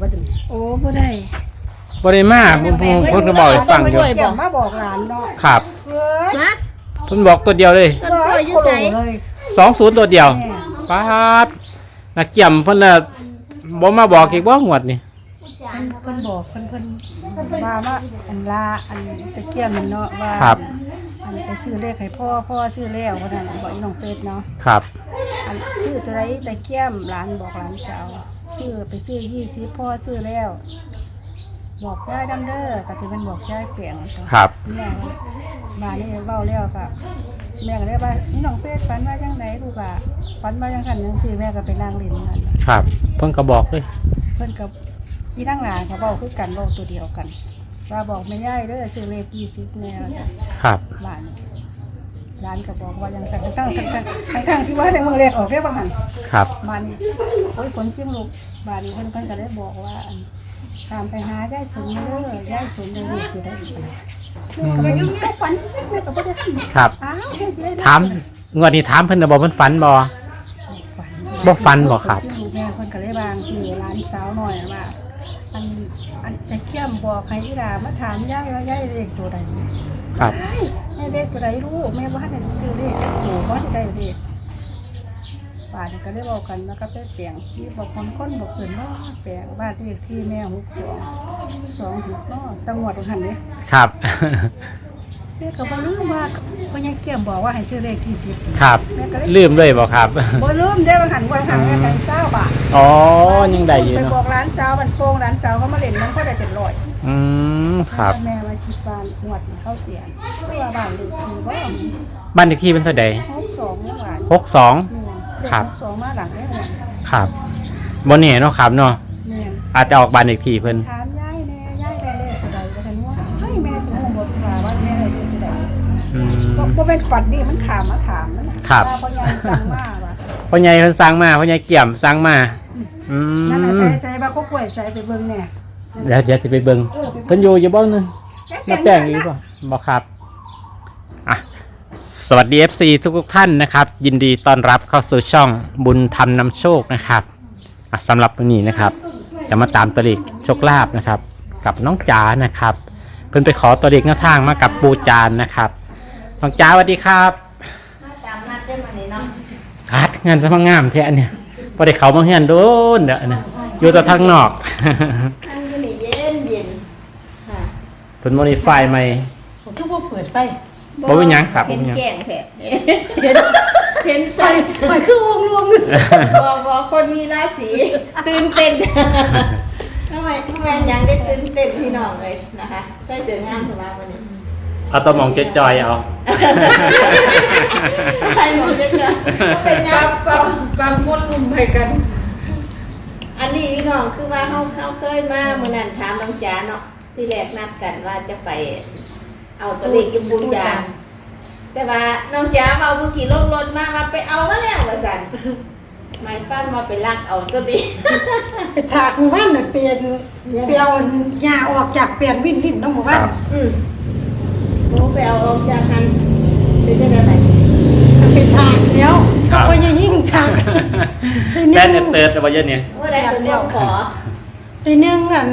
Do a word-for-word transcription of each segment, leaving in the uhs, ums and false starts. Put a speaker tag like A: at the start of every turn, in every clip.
A: ว่าจัง
B: โอ้บ่ได้
C: บ่ได้มาเพิ่นเพิ่นก็บอกให้ฟังอยู่
A: เกี่ยวมาบอกหลานเนาะ
C: ครับ
A: เฮ้ย
B: ฮะ
C: เพิ่นบอกตัวเดียวเลย
B: ต้นกล้วยอยู่ไส
A: เลย
C: สองศูนย์ตัวเดียวป๊าดนักเกี่ยมเพิ่นน่ะบ่มาบอกอีกบ่งวดนี่
A: เพิ่นบอกเพิ่นเพิ่นว่าว่าอันลาอันตะเกียบมันเนาะว่า
C: ครับ
A: อันไปซื้อเลขให้พ่อพ่อซื้อแล้วว่านั่นบอกอีน้องเป็ดเนาะ
C: ครับ
A: อันซื้อตัวไรตะเกียบหลานบอกหลานจะเอาซื้อไปซื้อยี่สิบพ่อซื้อแล้ว บอกยายดังเด้อก็สิเป็นบอกยายเปลี่ยน
C: ครับ
A: แม่มานี่เว้าแล้วก็แม่ก็เลยว่านี่น้องเป็ดฝันว่าจังไดลูกอ่ะฝันว่าจังซั่นจังซี่แม่ก็ไปนั่งเล่นนั่น
C: ครับเพิ่นก็บอกเลย
A: เพิ่นกับพี่นั่งหลานเขาบอกคือกันบอกตัวเดียวกันว่าบอกไม่ย่ายเด้อซื้อเลขยี่สิบแน่จ้ะ
C: ครับ
A: บ้านร้านก็บอกว่ายังสั่งตั้งทั้งทั้งทั้งทั้งที่ว่าในเมืองเลขออกได้บ้างหัน
C: ครับ
A: บ้านนี้โอ้ยคนเชียงลูกบ้านนี้เพิ่นเพิ่นก็ได้บอกว่าอันตามไปหาย่ายสนเด้อย่ายสนในลูกคือได้อีกแล้วก็ยุ่งยากฝันแม่ก็บ่ได้ทำ
C: ครับ
A: อ้าวเฮ็ดได้
C: ถามงวดนี้ถามเพิ่นน่ะบ่เพิ่นฝันบ่ บ่ฝันบ่ครับ
A: แม่เพิ่นก็เลยบางคือร้านสาวหน่อยว่าอันอันจะเขี้ยมบอกให้อีหลามาถามย่ายว่าย่ายเลขตัวใด
C: ครับ
A: แม่เลขตัวใดลูกแม่ว่าให้ซื้อเลขโอ้บ่ได้เลขป่านก็ได้บอกกันแล้วก็ไปเปลี่ยนที่บอกคนคนบอกเพิ่นว่าแปลงบ้านเลขที่แม่หกสองสองหกเนาะจังหวัดหันนี่
C: ครับ
A: เด็กก็บ่ลืมว่าพ่อใหญ่เกี่ยมบอกว่าให้ซื้อเลขที่สิบ
C: ครับลืมเลยบ่ครับ
A: บ่ลืมเด้อหันว่าหันแม่กันเจ้าบาท
C: อ๋อยังได้อยู่
A: ไปบอ
C: เนาะ
A: กร้านเจ้าบันโป่งร้านเจ้าเขามาเล่นมันก็ได้เจ็ดร้อย
C: อืมครับ
A: แม่มาคิดบ้านหวดเข้าเสียนเพื่อบ้านลูกคือว่า
C: บ้านเลขที่เพิ่นเท่าใด
A: หกสองเมื่อวาน
C: หกสอง
A: เนี่ย
C: ครับ
A: หกสองมาหลังได้เนี่ย
C: ครับบ่แน่เนาะครับเนาะ
A: เนี่ย
C: อาจจะออกบ้านเลขที่เพิ่น
A: ถามย่ายแน่ย่ายแม่เลขอะไรก็ทันว่าให้แม่ถึงหมดค่ะว่าแม่เลขอะไร
C: อืม
A: ก็เป็นฝันดีมันขามมาถามนั่นนะครับ เพราะยังจังมากว่ะ
C: พ่อใหญ่เพิ่นสั่งมาพ่อใหญ่เกี่ยมสั่งมาอืม
A: นั่นน่ะใส่ใส่บ้าก็ป่วยใส่ไปเบิ่งเนี่ย
C: เดี๋ยวเดี๋ยวสิไปเบิ่งเพิ่นอยู่อยู่บ่นึงน้าแป้งอยู่บ่บ่ครับอ่ะสวัสดี เอฟ ซี ทุกทุกๆท่านนะครับ ยินดีต้อนรับเข้าสู่ช่องบุญธรรมนำโชคนะครับอ่ะสำหรับวันนี้นะครับจะมาตามตัวเลขโชคลาภนะครับ กับน้องจ๋านะครับ เพิ่นไปขอตัวเลขหน้าทางมากับปูจานนะครับน้องจ๋าสวัสดีครับ
B: ตามนัดได้มานี่เนาะ
C: คัดงานสมังงามแท้เนี่ยพอได้เขามาเฮือนโดนเด้อนะอยู่แต่ทางนอก
B: อันนี้นี่เย็นเย็นค่ะ
C: เพิ่นโมดิฟายใหม่
B: ผมทุกพวกเปิดไฟ
C: บ่เป็นหยังครับบ่
B: เห็น
C: เป็นหยัง
B: แก่งแผลเห็นเห็นใส่ไฟคือวงรวมบอกบอกคนมีราศีตื่นเต้นทำไมทำไมยังได้ตื่นเต้นพี่น้องเลยนะคะใส่เสื้องามถูกไหมวันนี้
C: เอาตัวหมองจอยๆเอา
B: ใครหมดจะเจอเป็นยัง
A: บางบางคนลุมไปกัน
B: อันนี้พี่น้องคือว่าเขาเขาเคยมาเมื่อนั้นถามน้องจ๋าเนาะที่แรกนัดกันว่าจะไป เอาตัวเลขยมบุญญาณแต่ว่าน้องจ๋าเอาเมื่อกี้ลงรถมามาไปเอามาแล้วว่าสั่นหมายฟันมาไปลักเอาตัวนี้
A: ไปถากหมู่บ้านน่ะเปลี่ยนเปลี่ยนหญ้าออกจากเปลี่ยนวินดินเนาะหมู่บ้าน
B: อืมโอ้ไปเอาออกจากกันเป็นยังไงไหม
A: ไปถากเดี๋ยวก็บ่ยังยิ่งถาก
C: แป้นเติร์ดเอาไว้เยอะเนี่ย
B: ว่าได้เป็นเรื่องขอ
A: ในหนึ่งอัน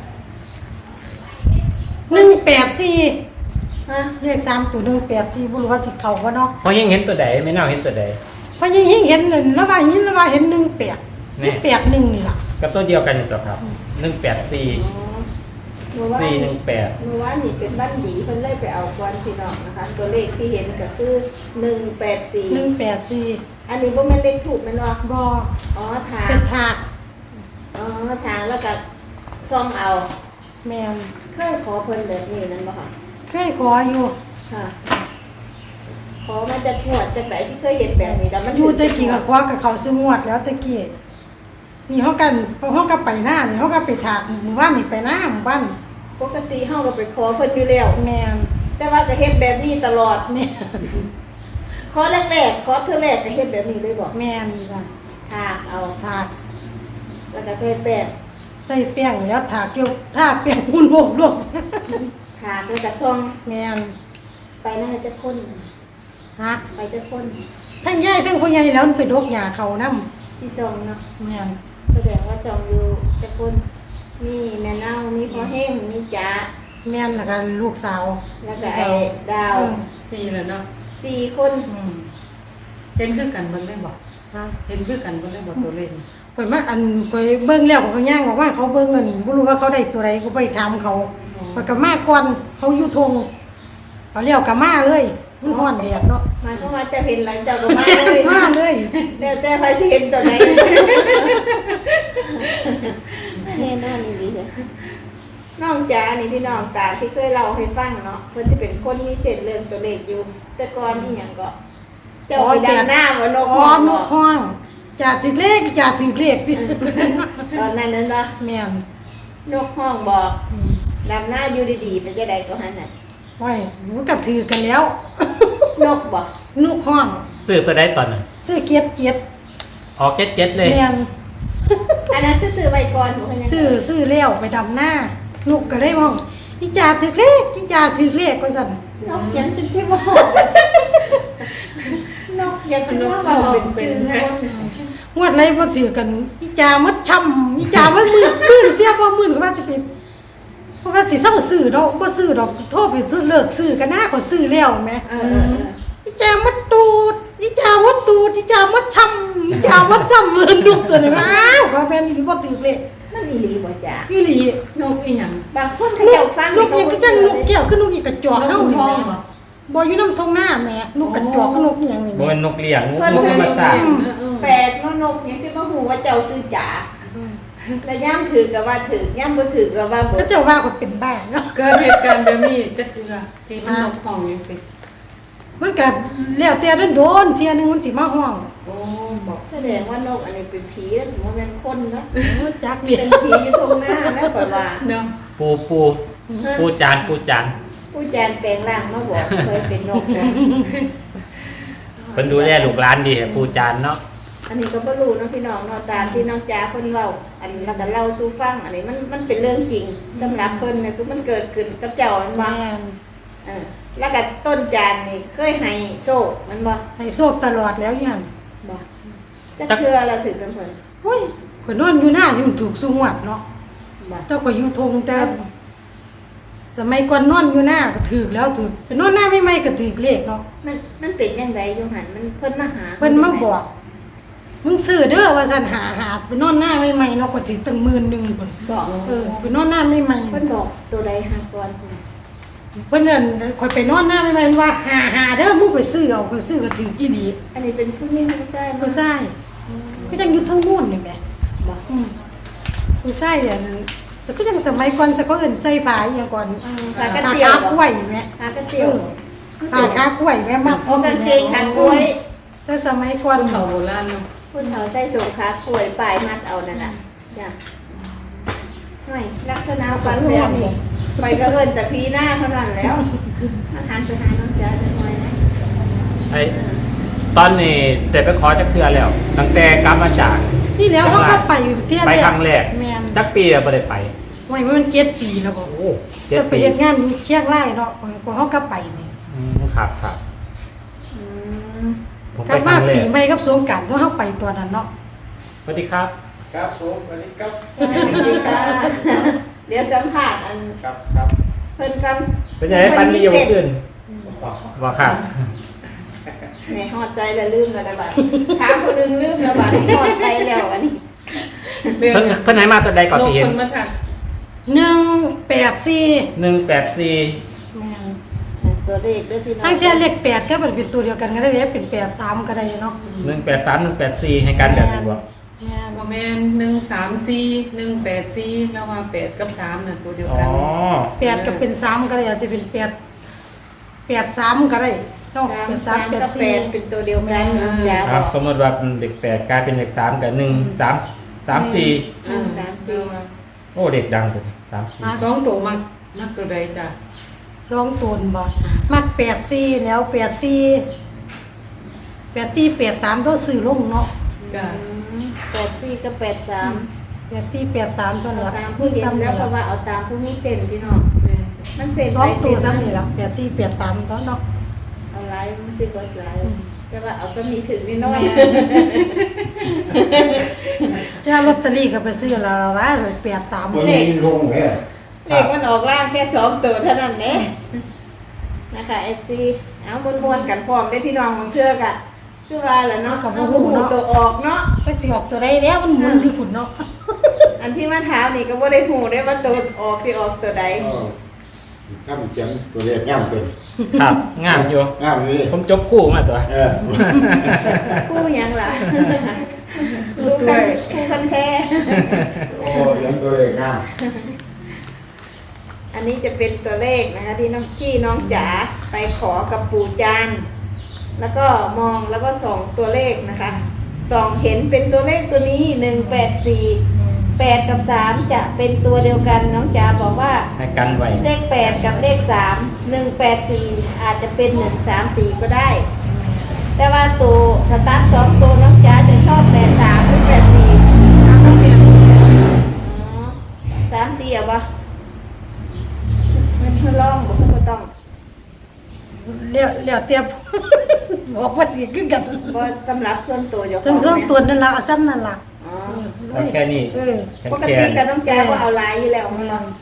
A: หนึ่งแปดสี่
B: ฮะ
A: เลขสามตัวหนึ่งแปดสี่บ่รู้ว่าสิเข้าบ่เนาะ
C: พอยังเห็นตัวใดไม่น่าเห็นตัวใด
A: เพราะยังยิ่งเห็นนั่นแล้วว่าเห็นแล้วว่าเห็นหนึ่งแปด
C: นี่
A: แปดหนึ่งนี่ล่ะ
C: กับตัวเดียวกันอยู่ตัวครับหนึ่งแปดสี่
B: อ๋อเมื่อวาน
C: สี่หนึ่งแปด
B: เมื่อวานนี่เป็นบ้านดีเพิ่นเลยไปเอาควันพี่น้องนะคะ ตัวเลขที่เห็นก็คือหนึ่งแปดสี่
A: หนึ่งแปดสี่
B: อันนี้บ่แม่นเลขถูกแม่นบ่
A: บ่
B: อ๋อทาง
A: เป็นถาก
B: อ๋อทางแล้วก็ซ่อมเอา
A: แม่น
B: เคยขอเพิ่นแบบนี้นั่นบ่คะ
A: เคยขออยู่
B: ค่ะ ขอมาจากหัวดจากไหนที่เคยเห็นแบบนี้แล้วมัน
A: อยู่ตะกี้ก็ขอกับเขาซื้องวดแล้วตะกี้นี่เฮากันเฮาก็ไปหน้านี่เฮาก็ไปถากหมู่บ้านนี่ไปหน้าหมู่บ้าน
B: ปกติเฮาก็ไปขอเพิ่นอยู่แล้ว
A: แม่น
B: แต่ว่าก็เฮ็ดแบบนี้ตลอด
A: แม่น
B: ขอแรกๆขอเทื่อแรกก็เฮ็ดแบบนี้เลยบ่
A: แม่นจ้ะ
B: ทากเอา
A: ถาก
B: แล้วก็ใส่แป้ง
A: ใส่แป้งแล้วถากอยู่ถากแป้งหุ่นโลกโลก
B: ทากแล้วก็ซ่อม
A: แม่น
B: ไปนั่นจะคน
A: ฮะ
B: ไปจะคน
A: ทั้งยายทั้งพ่อใหญ่แล้วมันไปดกหญ้าเขานำ
B: ที่ซ่อมเนาะ
A: แม่น
B: แสดงว่าซ่อมอยู่จะคนมีแม่เน่ามีพ่อแห้งมีจ๋า
D: แม่นแล้วก็ลูกสาว
B: แล้วก็ไอ้ดาว
E: สี่แล้วเนาะ
B: สี่คน
D: อืม
E: เห็นคือกันเบิ่งได้บ่
D: ฮะ
E: เห็นคือกันเบิ่งได้บ่ตัวเลข
D: ข่อยมาอันข่อยเบิ่งแล้วก็ย่างบอกว่าเขาเบิ่งเงินบ่รู้ว่าเขาได้ตัวใดก็ไปถามเขาข่อยก็มาก่อนเขาอยู่ทงเขาเลี้ยวก็มาเลยมันฮ้อนแดดเนาะ
B: หมายความว่าเจะเห็นหลังจากก็มาเลย
D: มาเลย
B: แล้วแต่ใครสิเห็นตัวไหนแน่นอนนี่ดีเลยน้องจ๋านี่พี่น้องตามที่เคยเล่าให้ฟังเนาะเพิ่นจะเป็นคนมีเศษเรื่องตัวเลขอยู่ แต่ก่อนนี่หยังก็ เจ้าไปดังหน้าว่านก
D: อ๋อ
B: ฮ้อง
D: น
B: บ่
D: กฮ้องจ่าถึกเลขจ่าถึกเลขติ
B: ตอนนั้นนั่นเนาะ
D: แม่น
B: นกห้องบอก
D: อืม
B: ดำหน้าอยู่ดีๆไปจะได้ก็หันน่ะ
D: ไว้มันก็ถือกันแล้ว
B: นกบอก
D: นกฮ้อง
C: ซื้อตัวได้ตอนน่ะ
D: ซื้อเกียรติเกียรติ
C: ออกเจ็ดเจ็ดเลย
D: แม่น
B: อันนั้นคือซื้อใบก่อนบ่เพิ่นยัง
D: ซื้อซื้อแล้วไปดำหน้าลูกก็ได้ห้องอีจ่าถึกเลขอีจ่าถึกเลขก็สั่น
B: นกยังจะสิบ่นกยังสิว่าเว้าเป็นซื้อคน
D: งวดไรบ่ถือกันอีจ่ามัดช่ำอีจ่ามัดมือมือเสียบ่มือก็ว่าจะไปเพราะว่าสิเศร้าซื้อดอกบ่ซื้อดอกโทรไปซื้อเลิกซื้อกันหน้าก็ซื้อแล้วแหม
B: เออเออเออ
D: อีจ่ามัดตูดอีจ่ามัดตูดอีจ่ามัดช่ำอีจ่ามัดซ้ำมือลูกตัวนี้อ้าวว่าแม่นอีบ่ถือเลข
B: มันอีหลีบ่จ้ะ
D: อีหลี
E: นกอีหยัง
B: บางคนเขา
D: ลู
B: เจ้าก ฟัง
D: ลูกอีกก็จัง
B: เขา
D: ลูกแก้วคือลูกอีกกระจอก
E: นก
D: เฮา
E: คุณ
D: นี่
E: พ่อ
D: แห
E: บ่
D: ม่บ่อยู่นำทงหน้าแหม่ลูกกระจอกคือลูกอีหยังนี่
C: บ่
D: แหม่
C: เป็นนกเลี้ยงนก
B: เพิ่น
C: นกธรรมชาติ
B: แปลกเนาะนกยังสิบ่ฮู้ว่าเจ้าซื้อจ๋าแล้วย่ำถือก็ว่าถือย่ำบ่ถือก็ว่าบ่
D: เขาเจ้าว่าก็เป็นบ้าเนาะ
E: เกิดเหตุการณ์แบบนี้จะเจือที่มันนกห้องจังซี่
D: มันก็แล้วแต่โดนๆเที่ยหนึงมันสิมาห้อง
E: โอ้บอก
B: แสดงว่านกอันนี้เป็นผีแล้วสมมุติว่าเป็นคนเนาะ
D: เออจักเดีย
B: เป็นผีอยู่ตรงหน้าแล้วก็ว่า
E: เนาะ
C: ปูปูปูจานปูจาน
B: ผู้แจนแปลงร่างมาบอกเคยเป็นนกนะ
C: เพิ่นดูแลลูกหลานดีปูจานเนาะ
B: อันนี้ก็บ่รู้เนาะพี่น้องเนาะตามที่น้องจ๋าเพิ่นเว้าอันนี้แล้วก็เล่าสู่ฟังอันนี้มันมันเป็นเรื่องจริงสำหรับเพิ่นเนี่ยคือมันเกิดขึ้นกับเจ้ามันบ่
D: แม่น
B: เออแล้วก็ต้นจานนี่เคยให้โซ่มันบ่
D: ให้โชคตลอดแล้วยัน
B: บ่จะเชื่อเราถึงกันเพิ่น
D: โอ้ยข่อยนอนอยู่หน้าที่มันถูกสุงวัดเนาะ
B: บ่
D: เจ้าก็อยู่ทงแต่สมัยก่อนนอนอยู่หน้าก็ถูกแล้วถูกไปนอนหน้าไม่ไม่ก็ถูกเลขเนาะ
B: มันมันเป็นจังไดอยู่หั่นมันเพิ่นมาหา
D: เพิ่นมาบอกมึงซื้อเด้อว่าซั่นหาหาไปนอนหน้าไม่ไม่เนาะก็สิตั้งหมื่นหนึงพุ่น
B: บอก
D: เออไปนอนหน้าไม่ไม่
B: เพิ่นบอกตัวใดหาก่อน
D: เพิ่นนั่นข่อยไปนอนหน้าไม่ไม่ว่าหาหาเด้อมึงไปซื้อเอาก็ซื้อก็ถูกอีหลี
B: อันนี้เป็นผู้หญิงผู้ชาย
D: ผู้ชายก็ยังอยู่ทั้งนู่นนี่แหม
B: บอก
D: อืมผู้ชายอันสก็ยังสมัยก่อนสก็เอิ้นใส่ผ้าอีหยังก่อน
B: ผ้ากระ
D: ผ้า
B: เตียว
D: คา
B: บ
D: กล้วยแหม
B: ผ้ากระ
D: เอ
B: เตียว
D: อผ้าคากล้วยแม่มัก
B: โอ้กางเกงขากล้วย
D: แต่สมัยก่อน
E: คนเขาโบราณเนาะ
B: คุณเขาใส่สูงขากล้วยปลายมัดเอานั่นน่ะจ้ะห่วยลักษณะฟันแบบนี้ไปก็เอิ้นแต่พีหน้าเท่านั้นแล้วอาหารไปหาน้องจ๋าจะหน่อยนะ
C: ไอ้ตอนนี้ได้ไปขอจักเทื่อแล้ว ตั้งแต่กลับมาจาก
D: นี่แล้วเขาก็ไปเที่ยว
C: ไปครั้งแรก
D: แม่น
C: จักปีแล้วบ่ได้ไป
D: ไว้มันเจ็ดปีแล้วบ่
C: โอ้เจ็ด
D: จะไป
C: ปี
D: เฮ็ดงานเชียงรายเนาะพอเขาก็ไปนี่
C: อืมครับครับ
B: อืม
C: ผม
D: กลั
C: ไป
D: บ
C: ค
D: มา
C: รั้งแร
D: ปี
C: ก
D: ใหม่กับสงกรานต์ตัวเฮาไปตัวนั้นเนาะ
C: สวัสดีครับ
F: ครับผมสวัสดีครับ
B: สวัสดีค่ะเดี๋ยวสัมภาษณ์อัน
F: ครับครับ
B: เพิ่นกัน
C: เป็นยังไงฟันดีอยู่ขึ้นว่าครับ
B: เนี่ยฮอดใจแล้วลืมแล้วนะบัดถามคนนึงลืมแล้วบัดฮอดใจแล้วอันนี้
E: เรื่อง
C: เพิ่นเพิ่นไหนมาตัวใดก่อน
E: นก
C: ที่เห็
E: คน นมาทัก
D: หนึ่งแปดสี่
C: หนึ่งแปดสี่
D: แม่น
B: ตัวเลขด้วยพี่น้อง
D: ทางเที่ยเลขแปดก็เป็นตัวเดียวกันก็ได้เด้เป็นแปดสามก็ได้เนาะ
C: หนึ่งแปดสามหนึ่งแปดสี่ให้กันแบบนี้บ่
D: แม่น
E: บ่แม่นหนึ่งสามสี่หนึ่งแปดสี่แล้วว่าแปดกับสามน่ะตัวเดียว
C: อ๋อ
E: กัน
D: แปดก็เป็นสามก็ได้อาจจะเป็นแปดแปดสามก็ได้เนาะ
B: สาม
D: เป็นสา
B: สาม ม
D: แปด
B: กับแป
D: สี่
B: ดเป็นตัวเดียวกันน้องจ๋า
C: ครับ บสมมติว่าเป็นเด็กแปดกลายเป็นเด็กสามกับหนึ่งสามสามสี่
B: หนึ่งสามสี่
C: โอ้เด็กดังเลยสามสี่
E: สองตัวมักมักตัวใดจ้ะ
D: สองตนบ่มักแปดสี่แล้วแปดสี่แปดสี่แปดสามต้องซื้อลงเนาะ
E: จ้ะ
B: แปดสี่กับแปดสาม
D: แปดสี่แปดสามตอน
B: เอา
D: ละ
B: ตามผู้เห็นแล้วเพราะว่าเอาตามผู้มีเส้นพี่น้อง
E: แม่
B: มันเส้น
D: สอ
B: ไป
D: งตั
B: เส้
D: วน ซ้ำ
B: มา
D: นี่ละแปดสี่แปดสามตอนเนาะ
B: เอาไลน์มันสิกดไลน์ก็ว่าเอาสมีถึงนิดหน้อย
D: จ้าลอตเตอรี่ก็ไปซื้อแล้วล่ะว่าแปดสาม
F: วันนี้ลงแค่
B: เลขมันออกล่างแค่สองตัวเท่านั้นเองนะคะ เอฟ ซี เอามวนๆกันพร้อมได้พี่น้องบางเทือกอะคือว่าแหละเนาะเอาหูตัวออกเนาะ
D: ก็สิออกตัวใดแล้วมันหมุนอยู่พุ่นเนาะ
B: อันที่มาถามนี่ก็บ่ได้หูได้ว่าตัวออกสิออกตัวใด
F: ข้ามเจียงตัวเล็กงามเกิน
C: ครับงามอยู่
F: งามเลย
C: ผมจบคู่มาตัว
F: เออ
B: คู่หยังล่ะคู่กันคู่กันแท้
F: โอ้ยังตัวเล็กงาม
B: อันนี้จะเป็นตัวเลขนะคะที่น้องที่น้องจ๋าไปขอกับปู่จานแล้วก็มองแล้วก็ส่องตัวเลขนะคะส่องเห็นเป็นตัวเลขตัวนี้หนึ่งแปดสี่แปดกับสามจะเป็นตัวเดียวกันน้องจ๋าบอกว่า
C: ให้กันไว้
B: เลขแปดกับเลขสามหนึ่งแปดสี่อาจจะเป็นหนึ่งสามสี่ก็ได้ แต่ว่าตัวสตาร์ทสองตัวน้องจ๋าจะชอบแปดสามหรือแปดสี่เอาต้องเปลี่ยนสีสามสี่เอาปะมันเพื่อลองบอกเพื่อต้อง
D: เลี้ยวเลี้ยวเตรียม บอกว่าสิขึ้นกัน
B: ก็สำหรับส่วนตัวเจ้าข
D: ซึ่ง
B: อง
D: เริ่ม
B: เนี่ย
D: ตัวนั่นล่ะเอาซ้ำนั่นล่ะ
B: อ๋อ
C: เอาแค่นี้
D: เออ
B: ปกติกับน้องจ๋าก็เอาลายอยู่แล้วมั้งเนาะ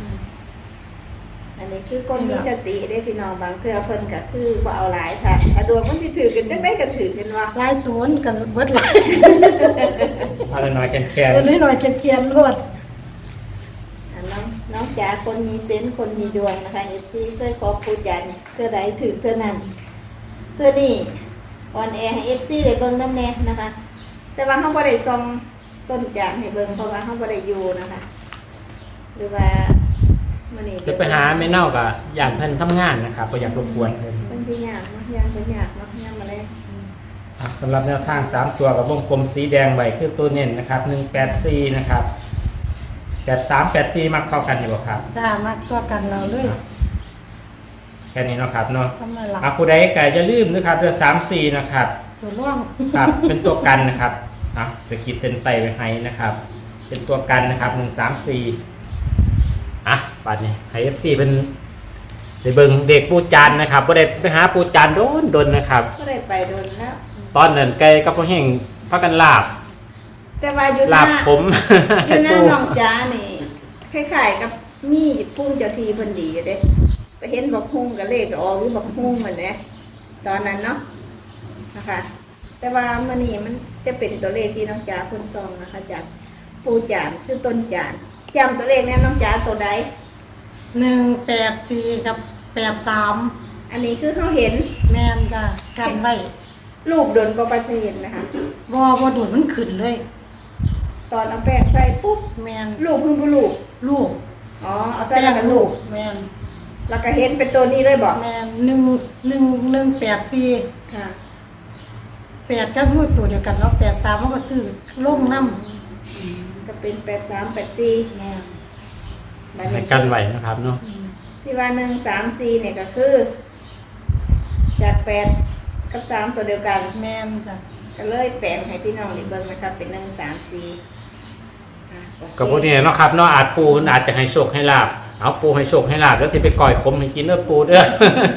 B: อันนี้คือคนมีสติได้พี่น้องบางเทื่อเพิ่นก็คือว่าเอาลายค่ะถ้าดวงมันสิถือกันจังได้ก็ถือกันว่า
D: หลายตัวนั่นกันเบิดหลาย
C: เอาหน่อยๆแค่แค่
D: ตัวน้อยๆเจียนๆรวด
B: อันน้องน้องจ๋าคนมีเซนส์คนมีดวงนะคะเอฟซีเคยขอปูจันทร์เพื่อใดถือเท่านั้นเพื่อนี่ออนแอร์ให้เอฟซีได้เบิ่งน้ำแน่นะคะ แต่ว่าเขาบ่ได้ส่องต้นจานให้เบิ่งเพราะว่าเขาบ่ได้อยู่นะคะ หรือว่ามื้อนี้
C: จะไปหาแม่เน่ากับอยากเพิ่นทำงานนะครับบ่อยากรบกวนเพิ่น
B: บางทียากเนาะยากเป็นยากเนาะยากมาเลย
C: อ่ะสำหรับแนวทางสามตัวกับวงกลมสีแดงไว้คือตัวเน้นนะครับหนึ่งแปดสี่นะครับแปดสามแปดสี่มักเข้ากันอยู่บ่ครับ
D: จ้ามาตัวกันเราเลย
C: แค่นี้เนาะครับเนาะ
D: ซ้ำนั่นล่ะ
C: อ่ะผู้ใดก็อย่าลืมนะครับเดือนสามสี่นะครับ
D: ตัวร่วง
C: ครับเป็นตัวกันนะครับอ่ะจะขีดเส้นใต้ไว้ให้นะครับ เป็นตัวกันนะครับหนึ่งสามสี่อ่ะบัดนี้ให้เอฟซีเป็นได้เบิ่งเด็กปูจานนะครับบ่ได้ไปหาปูจานโดนโดนนะครับ
B: ก็ได้ไปโดนแล้ว
C: ตอนนั้นไก่กับพ่อแห้งพากันลาบ
B: แต่ว่าอยู่ห
C: ลา
B: น้า
C: บผม
B: อยู่หน้า
C: ตู้
B: น้องจ๋านี่คล้ายๆกับมีปุ้มเจ้าทีเพิ่นดีอยู่เด้ไปเห็นบักฮุ่งกับเลขก็ออกอยู่บักฮุ่งเหมือนเด้ตอนนั้นเนาะนะคะ แต่ว่ามื้อนี้มันจะเป็นตัวเลขที่น้องจ๋าเพิ่นส่องนะคะจากปูจานคือต้นจานจำตัวเลขแน่น้องจ๋าตัวใด
D: หนึ่งแปดสี่กับแปดสาม
B: อันนี้คือเขาเห็น
D: แม่นจ้ากันไว้
B: รูปดนบ่ปัจจะเห็นนะคะ
D: บ่บ่โดดมันขึ้นเลย
B: ตอนเอาแป้งใส่ปุ๊บ
D: แม่น
B: รูปเพิ่งบ่รูป
D: ลูก
B: อ๋อเอาใส่แล้วก็รูป
D: แม่น
B: แล้วก็เห็นเป็นตัวนี้เลยบอก
D: แม่นหนึ่งหนึ่งหนึ่งแปดสี่
B: ค่ะ
D: แปดก็พูดตัวเดียวกันเนาะแปดสามมันก็ซื้อลงน้ำ
B: ก็เป็นแปดสามแปดสี่
D: แม่น
B: แบบ
C: ให้
B: นี้
C: กันไว้นะครับเนาะ
B: ที่ว่าหนึ่งสามสี่เนี่ยก็คือ จากแปดกับสามตัวเดียวกัน
D: แม่นจ้ะ
B: ก็เลยแปลงให้พี่น้องได้เบิ่งนะครับ เป็นหนึ่งสามสี่อ่ะโอเค
C: กับพวกนี้เนาะครับเนาะอาจปูอาจจะให้โชคให้ลาบเอาปูให้โชคให้ลาบแล้วสิไปก่อยขมให้กินเด้อปูเด้อ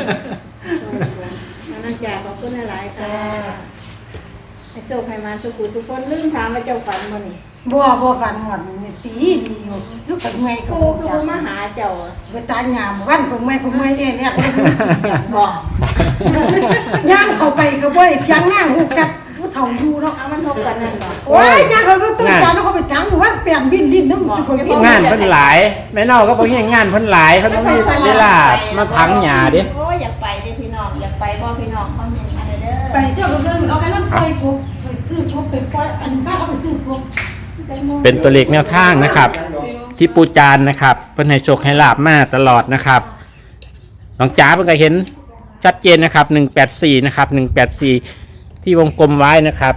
B: น้องจ่าขอบคุณหลายๆค่ะให้โชคให้มาสุขุสุขคนลืมถามว่าเจ้าฝันบ่นี่
D: บัวบัวฝันหมดนี่สีดีอยู่ลูกกับเมย์ก็
B: กูคือบ่มาหาเจ้าอะ
D: ไปตางามวันของเมย์ของเมย์เนี่ยเนี่ย
B: บอก
D: ย่างเข้าไปก็บ่ได้จังหน้าหูกัดผู้เฒ่าอยู่เนาะ
B: เอามันทบกันนั่นบ่
D: โอ้ยย่างเขาก็ต้องการเขาไปจังวันเปลี่ยนบินลิ้นน้ำทุกคนบิน
C: งานเพิ่นหลายแม่เน่าก็บ่เฮ็ดงานเพิ่นหลายเพิ่นบ่มีเวลามาถังหญ้าเด้
B: โอ้ยอยากไปเด้พี่น้องอยากไปบ่พี่น้องคอมเมนต์มาเด้อ
D: ไปเจ้าก็เดินเอาไปน้ำปล่อยกูไปซื้อกูไปปล่อยอันป้าเขาไปซื้อกู
C: เป็นตัวเลขแนวทางนะครับ ที่ปูจานนะครับเพิ่นให้โชคให้ลาบมาตลอดนะครับน้องจ๋าเพิ่นก็เห็นชัดเจนนะครับหนึ่งแปดสี่นะครับหนึ่งแปดสี่ที่วงกลมไว้นะครับ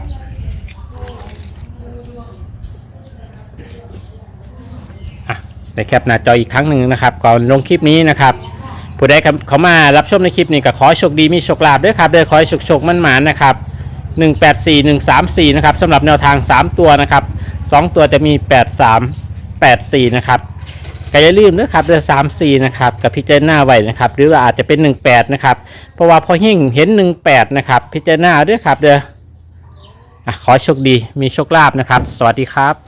C: อ่ะได้แคปหน้าจออีกครั้งหนึ่งนะครับก่อนลงคลิปนี้นะครับผู้ใดเขามารับชมในคลิปนี้ก็ขอให้โชคดีมีโชคลาภด้วยครับเด้อขอให้โชคโชคมั่นหมานนะครับหนึ่งแปดสี่ หนึ่งสามสี่นะครับสำหรับแนวทางสามตัวนะครับสองตัวจะมีแปดสาม แปดสี่นะครับก็อย่าลืมนะครับเดือนสามสี่นะครับกับพิจารณาไว้นะครับหรือว่าอาจจะเป็นหนึ่งแปดนะครับเพราะว่าพอเฮงเห็นหนึ่งแปดนะครับพิจารณาด้วยครับเด้ออ่ะขอโชคดีมีโชคลาภนะครับสวัสดีครับ